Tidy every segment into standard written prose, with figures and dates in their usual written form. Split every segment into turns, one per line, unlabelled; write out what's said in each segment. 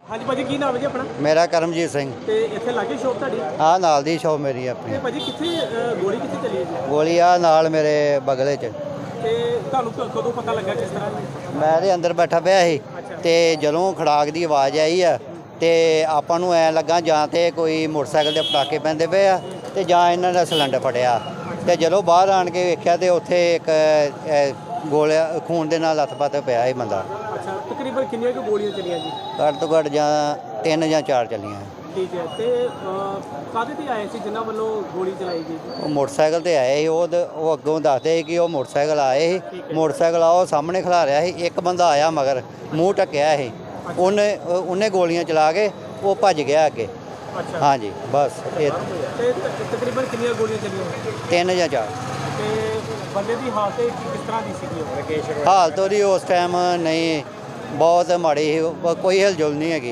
हाँ जी भाजी की नाम है जी अपना?
मेरा करमजीत सिंह।
ਤੇ ਇੱਥੇ ਲਾਗੇ ਸ਼ੌਪ ਤੁਹਾਡੀ?
हाँ नाल दी शॉप मेरी अपनी।
ਤੇ ਭਾਜੀ ਕਿੱਥੇ ਗੋਲੀ ਕਿੱਥੇ ਚੱਲੀ ਹੈ ਜੀ?
गोली आ नाल मेरे बगले च।
ਤੇ ਤੁਹਾਨੂੰ ਕਦੋਂ ਪਤਾ ਲੱਗਾ ਕਿਸ ਤਰ੍ਹਾਂ ਜੀ?
मैं ते अंदर बैठा पिया ਸੀ ਤੇ ਜਦੋਂ ਖੜਾਕ ਦੀ ਆਵਾਜ਼ ਆਈ ਆ ਤੇ ਆਪਾਂ ਨੂੰ ਐ ਲੱਗਾ ਜਾਂ ਤੇ ਕੋਈ ਮੋਟਰਸਾਈਕਲ ਦੇ ਪਟਾਕੇ ਪੈਂਦੇ ਪਏ ਆ ਤੇ ਜਾਂ ਇਹਨਾਂ ਦਾ ਸਿਲੰਡਰ ਫਟਿਆ ਤੇ ਜਦੋਂ ਬਾਹਰ ਆਣ ਕੇ ਵੇਖਿਆ ਤੇ ਉੱਥੇ ਇੱਕ ਗੋਲਿਆ ਖੂਨ ਦੇ ਨਾਲ ਲੱਥ-ਪੱਥ ਪਿਆ ਸੀ ਬੰਦਾ।
ਅੱਛਾ ਤਕਰੀਬਨ ਕਿੰਨੀਆਂ ਕੁ ਗੋਲੀਆਂ ਚੱਲੀਆਂ ਜੀ?
ਘੱਟ ਤੋਂ ਘੱਟ ਜਾਂ 3 ਜਾਂ 4 ਚੱਲੀਆਂ।
ਠੀਕ ਹੈ ਤੇ ਕਾਹਦੇ ਤੇ ਆਏ ਸੀ ਜਿਨ੍ਹਾਂ ਵੱਲੋਂ ਗੋਲੀ ਚਲਾਈ ਗਈ ਜੀ?
ਉਹ ਮੋਟਰਸਾਈਕਲ ਤੇ ਆਏ ਸੀ। ਉਹ ਅੱਗੋਂ ਦੱਸਦੇ ਸੀ ਕਿ ਉਹ ਮੋਟਰਸਾਈਕਲ ਆਏ ਸੀ। ਮੋਟਰਸਾਈਕਲ ਆ ਉਹ ਸਾਹਮਣੇ ਖਲਾ ਰਿਹਾ ਸੀ। ਇੱਕ ਬੰਦਾ ਆਇਆ ਮਗਰ ਮੂੰਹ ਢੱਕਿਆ ਸੀ। ਉਹਨੇ ਗੋਲੀਆਂ ਚਲਾ ਕੇ ਉਹ ਭੱਜ ਗਿਆ ਅੱਗੇ।
ਅੱਛਾ
ਹਾਂਜੀ ਬਸ ਇਹ
ਤੇ ਤਕਰੀਬਨ ਕਿੰਨੀਆਂ ਗੋਲੀਆਂ ਚੱਲੀਆਂ?
3 ਜਾਂ 4।
ਤੇ ਬੰਦੇ ਦੀ ਹਾਲਤ ਕਿਸ ਤਰ੍ਹਾਂ ਦੀ ਸੀਗੀ? ਰਕੇਸ਼
ਹਾਲਤ ਉਹਦੀ ਉਸ ਟਾਈਮ ਨਹੀਂ ਬਹੁਤ ਮਾੜੀ ਸੀ। ਕੋਈ ਹਿਲਜੁਲ ਨਹੀਂ ਹੈਗੀ।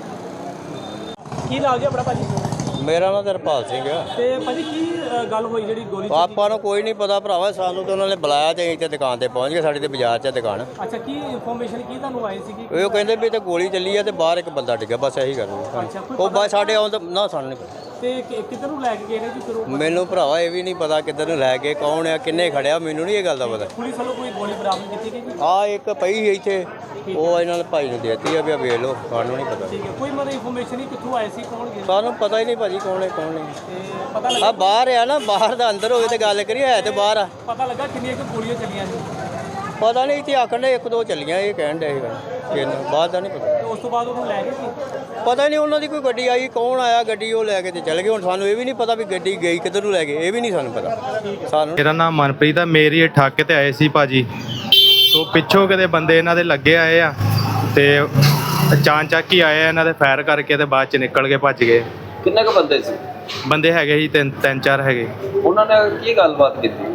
ਕੀ ਨਾਮ ਜੀ ਆਪਣਾ ਭਾਜੀ?
ਮੇਰਾ ਨਾਮ ਤਰਪਾਲ ਸਿੰਘ ਆ।
ਤੇ ਭਾਜੀ ਕੀ ਗੱਲ ਹੋਈ ਜਿਹੜੀ ਗੋਲੀ
ਆਪਾਂ ਨੂੰ ਕੋਈ ਨਹੀਂ ਪਤਾ ਭਰਾਵਾ, ਸਾਨੂੰ ਤਾਂ ਉਹਨਾਂ ਨੇ ਬੁਲਾਇਆ ਤੇ ਅਸੀਂ ਤੇ ਦੁਕਾਨ ਤੇ ਪਹੁੰਚ ਗਏ। ਸਾਡੀ ਤੇ ਬਾਜ਼ਾਰ 'ਚ ਦੁਕਾਨ।
ਅੱਛਾ ਕੀ ਇਨਫੋਰਮੇਸ਼ਨ ਕੀ ਤੁਹਾਨੂੰ ਆਈ ਸੀਗੀ?
ਉਹ ਕਹਿੰਦੇ ਵੀ ਤੇ ਗੋਲੀ ਚੱਲੀ ਆ ਤੇ ਬਾਹਰ ਇੱਕ ਬੰਦਾ ਡਿੱਗਾ, ਬਸ ਇਹੀ ਗੱਲ
ਅੱਛਾ, ਕੋਈ
ਉਹ ਬਸ ਸਾਡੇ ਆਉਣ ਤੋਂ ਨਾ ਸਾਨੂੰ ਨਹੀਂ ਪਤਾ।
ਤੇ ਕਿੱਧਰ ਨੂੰ ਲੈ ਕੇ ਗਏ ਨੇ ਜੀ ਫਿਰ ਉਹ?
ਮੈਨੂੰ ਭਰਾਵਾ ਇਹ ਵੀ ਨਹੀਂ ਪਤਾ ਕਿੱਧਰ ਨੂੰ ਲੈ ਕੇ, ਕੌਣ ਆ, ਕਿੰਨੇ ਖੜਿਆ, ਮੈਨੂੰ ਨਹੀਂ ਇਹ ਗੱਲ ਦਾ ਪਤਾ।
ਪੁਲਿਸ ਵੱਲੋਂ ਕੋਈ ਗੋਲੀ ਬਰਾਮਦ ਕੀਤੀ ਗਈ ਜੀ?
ਆ ਇੱਕ ਪਈ ਸੀ ਇੱਥੇ, ਉਹ ਇਹਨਾਂ ਨੇ ਭਾਈ ਨੂੰ ਦੇਤੀ ਆ ਵੀ ਆ ਵੇਖ ਲਓ, ਸਾਨੂੰ ਨਹੀਂ ਪਤਾ।
ਠੀਕ ਹੈ ਕੋਈ ਮਤਲਬ ਇਨਫੋਰਮੇਸ਼ਨ ਨਹੀਂ ਕਿੱਥੋਂ ਆਏ ਸੀ, ਕੌਣ ਗਏ?
ਸਾਨੂੰ ਪਤਾ ਹੀ ਨਹੀਂ ਭਾਜੀ ਕੌਣ ਹੈ ਕੌਣ ਨਹੀਂ।
ਤੇ ਪਤਾ
ਆ
ਲੱਗਾ
ਬਾਹਰ ਆ ਨਾ, ਬਾਹਰ ਦਾ ਅੰਦਰ ਹੋਵੇ ਤੇ ਗੱਲ ਕਰੀਏ, ਹੈ ਤੇ ਬਾਹਰ ਆ।
ਪਤਾ ਲੱਗਾ ਕਿੰਨੀਆਂ ਕੁ ਗੋਲੀਆਂ ਚੱਲੀਆਂ ਜੀ?
ਪਤਾ ਨਹੀਂ ਇੱਥੇ ਆਖਣ ਦੇ 1-2 ਚੱਲੀਆਂ, ਇਹ ਕਹਿਣ ਦੇ ਸੀ। ਬਾਅਦ ਦਾ ਨਹੀਂ ਪਤਾ।
ਤੇ ਉਸ ਤੋਂ ਬਾਅਦ ਉਹਨੂੰ ਲੈ ਗਏ ਸੀ?
ਪਤਾ ਨਹੀਂ ਉਹਨਾਂ ਦੀ ਕੋਈ ਗੱਡੀ ਆਈ, ਕੌਣ ਆਇਆ ਗੱਡੀ ਉਹ ਲੈ ਕੇ ਤੇ ਚਲੇ ਗਏ। ਹੁਣ ਸਾਨੂੰ ਇਹ ਵੀ ਨਹੀਂ ਪਤਾ ਵੀ ਗੱਡੀ ਗਈ ਕਿੱਧਰ ਨੂੰ ਲੈ ਗਏ, ਇਹ ਵੀ ਨਹੀਂ ਸਾਨੂੰ ਪਤਾ। ਸਾਨੂੰ
ਮੇਰਾ ਨਾਮ ਮਨਪ੍ਰੀਤ ਆ। ਮੇਰੀ ਇਹ ਠਾਕੇ ਤੇ ਆਏ ਸੀ ਭਾਜੀ, ਤੋਂ ਪਿੱਛੋਂ ਕਿਤੇ ਬੰਦੇ ਇਹਨਾਂ ਦੇ ਲੱਗੇ ਆਏ ਆ ਤੇ ਅਚਾਨਕ ਹੀ ਆਏ ਇਹਨਾਂ ਦੇ ਫਾਇਰ ਕਰਕੇ ਤੇ ਬਾਅਦ ਚ ਨਿਕਲ ਕੇ ਭੱਜ ਗਏ।
ਕਿੰਨੇ ਕੁ ਬੰਦੇ ਸੀ?
ਬੰਦੇ ਹੈਗੇ ਸੀ 3-4 ਹੈਗੇ।
ਉਹਨਾਂ ਨੇ ਕੀ ਗੱਲਬਾਤ ਕੀਤੀ?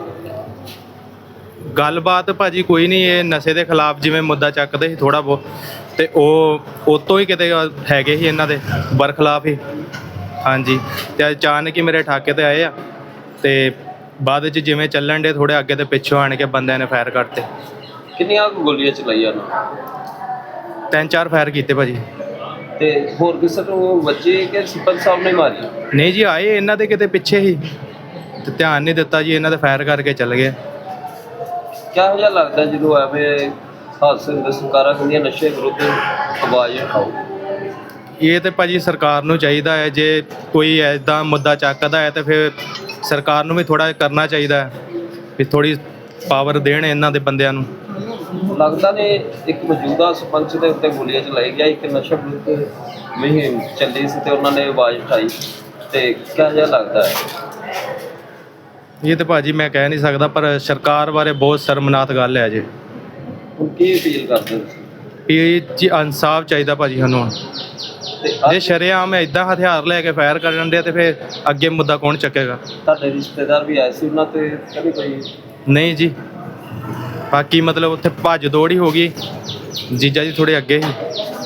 ਗੱਲਬਾਤ ਭਾਜੀ ਕੋਈ ਨਹੀਂ, ਇਹ ਨਸ਼ੇ ਦੇ ਖਿਲਾਫ ਜਿਵੇਂ ਮੁੱਦਾ ਚੱਕਦੇ ਸੀ ਥੋੜਾ ਬਹੁਤ, ਤੇ ਉਹ ਤੋਂ ਹੀ ਕਿਤੇ ਹੈਗੇ ਸੀ ਇਹਨਾਂ ਦੇ ਬਰਖਲਾਫ ਹੀ। ਹਾਂਜੀ ਤੇ ਅਚਾਨਕ ਹੀ ਮੇਰੇ ਠਾਕੇ ਤੇ ਆਏ ਆ ਤੇ ਬਾਅਦ ਵਿੱਚ ਜਿਵੇਂ ਚੱਲਣ ਦੇ ਥੋੜੇ ਅੱਗੇ ਤੇ ਪਿੱਛੋਂ ਆਣ ਕੇ ਬੰਦਿਆਂ ਨੇ ਫਾਇਰ ਕਰਤੇ।
ਕਿੰਨੀਆਂ ਕੁ ਗੋਲੀਆਂ ਚਲਾਈਆਂ ਉਹਨਾਂ?
3-4 ਫਾਇਰ ਕੀਤੇ ਭਾਜੀ।
ਤੇ ਹੋਰ ਕਿਸੇ ਨੂੰ ਵੱਜੇ ਕਿ ਸਰਪੰਚ ਸਾਹਿਬ ਨੇ ਮਾਰੀ?
ਨਹੀਂ ਜੀ, ਆਏ ਇਹਨਾਂ ਦੇ ਕਿਤੇ ਪਿੱਛੇ ਹੀ ਤੇ ਧਿਆਨ ਨਹੀਂ ਦਿੱਤਾ ਜੀ, ਇਹਨਾਂ ਦੇ ਫਾਇਰ ਕਰਕੇ ਚੱਲ ਗਏ।
ਕਿਹੋ ਜਿਹਾ ਲੱਗਦਾ ਜਦੋਂ ਐਵੇਂ ਹਾਦਸੇ ਹੁੰਦੇ? ਸਰਕਾਰਾਂ ਕਹਿੰਦੀਆਂ ਨਸ਼ੇ ਵਿਰੁੱਧ ਆਵਾਜ਼ ਉਠਾਓ।
ਇਹ ਤੇ ਭਾਜੀ ਸਰਕਾਰ ਨੂੰ ਚਾਹੀਦਾ ਹੈ, ਜੇ ਕੋਈ ਐਦਾਂ ਮੁੱਦਾ ਚੱਕਦਾ ਹੈ ਤੇ ਫਿਰ ਸਰਕਾਰ ਨੂੰ ਵੀ ਥੋੜਾ ਕਰਨਾ ਚਾਹੀਦਾ ਹੈ ਵੀ ਥੋੜੀ ਪਾਵਰ ਦੇਣ ਇਹਨਾਂ ਦੇ ਬੰਦਿਆਂ ਨੂੰ।
ਲੱਗਦਾ ਨੇ ਇੱਕ ਮੌਜੂਦਾ ਸਰਪੰਚ ਦੇ ਉੱਤੇ ਗੋਲੀਆਂ ਚਲਾਈ ਗਿਆ, ਇੱਕ ਨਸ਼ਾ ਵਿਰੁੱਧ ਮੁਹਿੰਮ ਚੱਲੀ ਸੀ ਤੇ ਉਹਨਾਂ ਨੇ ਆਵਾਜ਼ ਉਠਾਈ, ਤੇ ਕਿਹੋ ਜਿਹਾ ਲੱਗਦਾ ਹੈ?
ਇਹ ਤੇ ਭਾਜੀ ਮੈਂ ਕਹਿ ਨਹੀਂ ਸਕਦਾ, ਪਰ ਸਰਕਾਰ ਬਾਰੇ ਬਹੁਤ ਸ਼ਰਮਨਾਕ ਗੱਲ ਹੈ ਜੀ।
ਹੁਣ ਕੀ ਅਪੀਲ ਕਰਦੇ ਹੋ?
ਇਹ ਜੀ ਇਨਸਾਫ ਚਾਹੀਦਾ ਭਾਜੀ ਸਾਨੂੰ।
ਤੇ
ਜੇ ਸ਼ਰੇਆਮ ਇਦਾਂ ਹਥਿਆਰ ਲੈ ਕੇ ਫਾਇਰ ਕਰਨ ਦੇ ਤੇ ਫਿਰ ਅੱਗੇ ਮੁੱਦਾ ਕੌਣ ਚੱਕੇਗਾ?
ਤੁਹਾਡੇ ਰਿਸ਼ਤੇਦਾਰ ਵੀ ਆਏ ਸੀ, ਉਹਨਾਂ ਤੇ ਕਦੇ ਕੋਈ?
ਨਹੀਂ ਜੀ, ਬਾਕੀ ਮਤਲਬ ਉੱਥੇ ਭੱਜ ਦੌੜ ਹੀ ਹੋ ਗਈ। ਜੀਜਾ ਜੀ ਥੋੜੇ ਅੱਗੇ ਸੀ।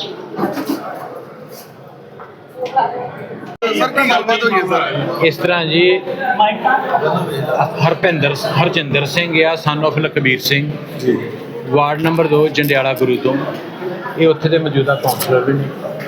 ਇਸ ਤਰ੍ਹਾਂ ਜੀ ਹਰਜਿੰਦਰ ਸਿੰਘ ਆ, son of Lakhbir Singh, ward number 2 Jandiala Guru ਤੋਂ। ਇਹ ਉੱਥੇ ਦੇ ਮੌਜੂਦਾ ਕਾਉਂਸਲਰ ਵੀ ਨੇ।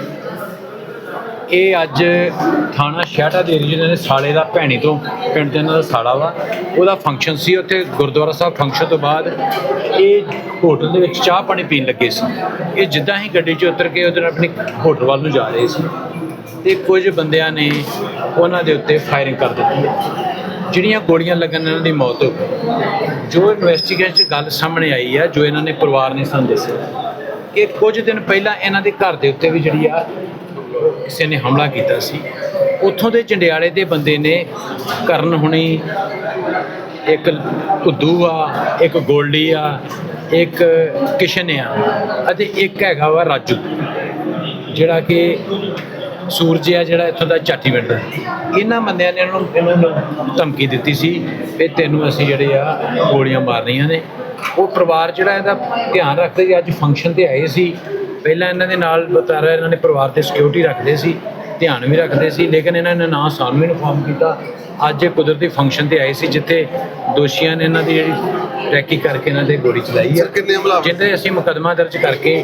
ਇਹ ਅੱਜ ਥਾਣਾ ਸ਼ਹਿਟਾ ਦੇ ਏਰੀਏ ਦੇ ਸਾਲੇ ਦਾ ਭੈਣੀ ਤੋਂ ਪਿੰਡ ਦੇ ਇਹਨਾਂ ਦਾ ਸਾਲਾ ਵਾ, ਉਹਦਾ ਫੰਕਸ਼ਨ ਸੀ ਉੱਥੇ ਗੁਰਦੁਆਰਾ ਸਾਹਿਬ। ਫੰਕਸ਼ਨ ਤੋਂ ਬਾਅਦ ਇਹ ਹੋਟਲ ਦੇ ਵਿੱਚ ਚਾਹ ਪਾਣੀ ਪੀਣ ਲੱਗੇ ਸੀ। ਇਹ ਜਿੱਦਾਂ ਹੀ ਗੱਡੀ 'ਚ ਉਤਰ ਕੇ ਉਹਦੇ ਨਾਲ ਆਪਣੀ ਹੋਟਲ ਵੱਲ ਨੂੰ ਜਾ ਰਹੇ ਸੀ ਤੇ ਕੁਝ ਬੰਦਿਆਂ ਨੇ ਉਹਨਾਂ ਦੇ ਉੱਤੇ ਫਾਇਰਿੰਗ ਕਰ ਦਿੱਤੀ, ਜਿਹੜੀਆਂ ਗੋਲੀਆਂ ਲੱਗਣ ਨਾਲ ਇਹਨਾਂ ਦੀ ਮੌਤ ਹੋ ਗਈ। ਜੋ ਇਨਵੈਸਟੀਗੇਸ਼ਨ 'ਚ ਗੱਲ ਸਾਹਮਣੇ ਆਈ ਆ, ਜੋ ਇਹਨਾਂ ਨੇ ਪਰਿਵਾਰ ਨੇ ਸਾਨੂੰ ਦੱਸਿਆ ਕਿ ਕੁਝ ਦਿਨ ਪਹਿਲਾਂ ਇਹਨਾਂ ਦੇ ਘਰ ਦੇ ਉੱਤੇ ਵੀ ਜਿਹੜੀ ਆ ਕਿਸੇ ਨੇ ਹਮਲਾ ਕੀਤਾ ਸੀ। ਉੱਥੋਂ ਦੇ ਜੰਡਿਆਲੇ ਦੇ ਬੰਦੇ ਨੇ ਕਰਨ ਹੁਣੀ, ਇੱਕ ਕੁੱਦੂ ਆ, ਇੱਕ ਗੋਲਡੀ ਆ, ਇੱਕ ਕਿਸ਼ਨ ਆ ਅਤੇ ਇੱਕ ਹੈਗਾ ਵਾ ਰਾਜੂ, ਜਿਹੜਾ ਕਿ ਸੂਰਜ ਆ, ਜਿਹੜਾ ਇੱਥੋਂ ਦਾ ਚਾਟੀ ਪਿੰਡ ਦਾ। ਇਹਨਾਂ ਬੰਦਿਆਂ ਨੇ ਇਹਨਾਂ ਨੂੰ ਧਮਕੀ ਦਿੱਤੀ ਸੀ ਵੀ ਤੈਨੂੰ ਅਸੀਂ ਜਿਹੜੇ ਆ ਗੋਲੀਆਂ ਮਾਰਨੀਆਂ ਨੇ। ਉਹ ਪਰਿਵਾਰ ਜਿਹੜਾ ਇਹਦਾ ਧਿਆਨ ਰੱਖਦੇ ਸੀ। ਅੱਜ ਫੰਕਸ਼ਨ 'ਤੇ ਆਏ ਸੀ, ਪਹਿਲਾਂ ਇਹਨਾਂ ਦੇ ਨਾਲ ਬਤਾਰਾ ਇਹਨਾਂ ਨੇ ਪਰਿਵਾਰ 'ਤੇ ਸਿਕਿਉਰਿਟੀ ਰੱਖਦੇ ਸੀ, ਧਿਆਨ ਵੀ ਰੱਖਦੇ ਸੀ, ਲੇਕਿਨ ਇਹਨਾਂ ਨੇ ਨਾ ਸਾਨੂੰ ਇਨਫੋਰਮ ਕੀਤਾ। ਅੱਜ ਇਹ ਕੁਦਰਤੀ ਫੰਕਸ਼ਨ 'ਤੇ ਆਏ ਸੀ ਜਿੱਥੇ ਦੋਸ਼ੀਆਂ ਨੇ ਇਹਨਾਂ ਦੀ ਜਿਹੜੀ ਟਰੈਕਿੰਗ ਕਰਕੇ ਇਹਨਾਂ ਦੇ ਗੋਲੀ ਚਲਾਈ ਹੈ, ਜਿਹਦੇ ਅਸੀਂ ਮੁਕੱਦਮਾ ਦਰਜ ਕਰਕੇ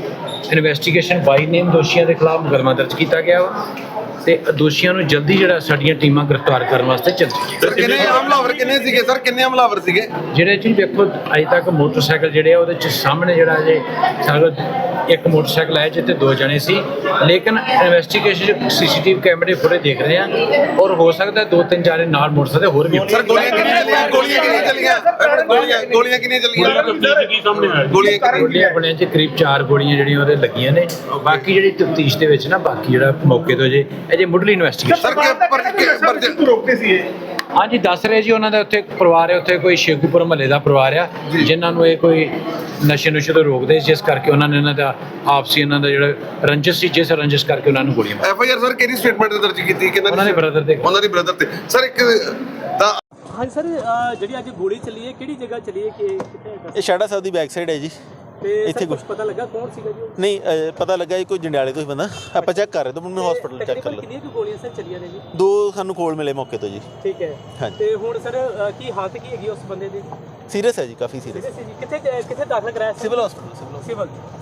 ਇਨਵੈਸਟੀਗੇਸ਼ਨ ਬਾਈ ਨੇਮ ਦੋਸ਼ੀਆਂ ਦੇ ਖਿਲਾਫ ਮੁਕੱਦਮਾ ਦਰਜ ਕੀਤਾ ਗਿਆ ਵਾ ਤੇ ਦੋਸ਼ੀਆਂ ਨੂੰ ਜਲਦੀ ਜਿਹੜਾ ਸਾਡੀਆਂ ਟੀਮਾਂ ਗ੍ਰਿਫਤਾਰ ਕਰਨ ਵਾਸਤੇ ਚੱਲ
ਸਰ ਕਿੰਨੇ ਹਮਲਾਵਰ ਕਿੰਨੇ ਸੀਗੇ ਸਰ ਕਿੰਨੇ ਹਮਲਾਵਰ ਸੀਗੇ
ਜਿਹੜੇ ਜੀ ਵੇਖੋ ਅਜੇ ਤੱਕ ਮੋਟਰਸਾਈਕਲ ਜਿਹੜੇ ਆ ਉਹਦੇ ਚ ਸਾਹਮਣੇ ਜਿਹੜਾ ਜੇ ਸਾਡਾ ਇੱਕ ਮੋਟਰਸਾਈਕਲ ਹੈ ਜਿੱਥੇ 2 ਜਣੇ ਸੀ ਲੇਕਿਨ ਇਨਵੈਸਟੀਗੇਸ਼ਨ ਸੀਸੀਟੀਵੀ ਕੈਮਰੇ ਫੁਟੇਜ ਦੇਖ ਰਹੇ ਆ ਔਰ ਹੋ ਸਕਦਾ 2-3 ਜਾਣੇ ਨਾਲ ਮੋਟਰਸਾਈਕਲ ਹੋਰ ਵੀ
ਸਰ ਗੋਲੀਆਂ ਕਿੰਨੀਆਂ ਚੱਲੀਆਂ ਗੋਲੀਆਂ ਕਿੰਨੀਆਂ ਚੱਲੀਆਂ
ਗੋਲੀਆਂ ਚ ਕਰੀਬ 4 ਗੋਲੀਆਂ ਜਿਹੜੀਆਂ ਉਹਦੇ ਲੱਗੀਆਂ ਨੇ ਬਾਕੀ ਜਿਹੜੀ ਤਫਤੀਸ਼ ਦੇ ਵਿੱਚ ਨਾ ਬਾਕੀ ਜਿਹੜਾ ਮੌਕੇ ਤੋਂ ਜੇ ਅਜੇ ਮੁੱਢਲੀ ਇਨਵੈਸਟੀਗੇਸ਼ਨ
ਸਰ ਰੋਕਦੇ ਸੀ ਇਹ
ਹਾਂਜੀ ਦੱਸ ਰਹੇ ਜੀ ਉਹਨਾਂ ਦਾ ਉੱਥੇ ਪਰਿਵਾਰ ਹੈ ਉੱਥੇ ਕੋਈ ਸ਼ੇਖੂਪੁਰ ਮਹੱਲੇ ਦਾ ਪਰਿਵਾਰ ਆ ਜਿਨ੍ਹਾਂ ਨੂੰ ਇਹ ਕੋਈ ਨਸ਼ੇ ਤੋਂ ਰੋਕਦੇ ਜਿਸ ਕਰਕੇ ਉਹਨਾਂ ਨੇ ਇਹਨਾਂ ਦਾ ਆਪਸੀ ਇਹਨਾਂ ਦਾ ਜਿਹੜਾ ਰੰਜਿਸ਼ ਸੀ ਜਿਸ ਰੰਜਿਸ਼ ਕਰਕੇ ਉਹਨਾਂ ਨੂੰ ਗੋਲੀਆਂ ਮਾਰੀਆਂ।
ਐਫਆਈਆਰ ਸਰ ਕਿਹੜੀ ਸਟੇਟਮੈਂਟ ਦਰਜ ਕੀਤੀ
ਉਹਨਾਂ ਦੇ ਬ੍ਰਦਰ ਦੇ
ਉਹਨਾਂ ਦੀ ਬ੍ਰਦਰ ਤੇ ਸਰ ਇੱਕ ਤਾਂ
ਹਾਂਜੀ ਸਰ, ਜਿਹੜੀ ਅੱਜ ਗੋਲੀ ਚੱਲੀ ਹੈ ਕਿਹੜੀ ਜਗ੍ਹਾ ਚੱਲੀ ਹੈ ਕਿ ਕਿੱਥੇ ਹੈ?
ਇਹ ਸ਼ਾੜਾ ਸਾਹਿਬ ਦੀ ਬੈਕ ਸਾਈਡ ਹੈ ਜੀ।
ਤੇ
ਇੱਥੇ
ਇੱਥੇ ਕੁਝ
ਕੁਛ
ਪਤਾ ਲੱਗਾ ਕੌਣ ਸੀਗਾ ਜੀ ਉਹ?
ਨਹੀਂ ਪਤਾ ਲੱਗਾ ਇਹ ਕੋਈ ਜੰਡਿਆਲੇ ਤੋਂ ਹੀ ਬੰਦਾ ਆਪਾਂ ਚੈੱਕ ਕਰ ਰਹੇ ਤਾਂ ਮੈਨੂੰ ਹਸਪੀਟਲ ਚੈੱਕ ਕਰ
ਤਕਰੀਬਨ
ਲਿਆ।
ਕਿੰਨੀਆਂ ਕੁ ਗੋਲੀਆਂ ਸਰ ਚੱਲੀਆਂ ਨੇ ਜੀ?
2 ਸਾਨੂੰ ਕੋਲ ਮਿਲੇ ਮੌਕੇ ਤੋਂ ਜੀ।
ਠੀਕ ਹੈ।
ਹਾਂਜੀ।
ਤੇ ਹੁਣ ਸਰ ਕੀ ਹਾਲਤ ਕੀ ਹੈਗੀ ਉਸ ਬੰਦੇ ਦੀ?
ਸੀਰੀਅਸ ਹੈ ਜੀ, ਕਾਫੀ ਸੀਰੀਅਸ।
ਕਿੱਥੇ ਦਾਖਲ ਕਰਾਇਆ ਸੀ?
Civil hospital
civil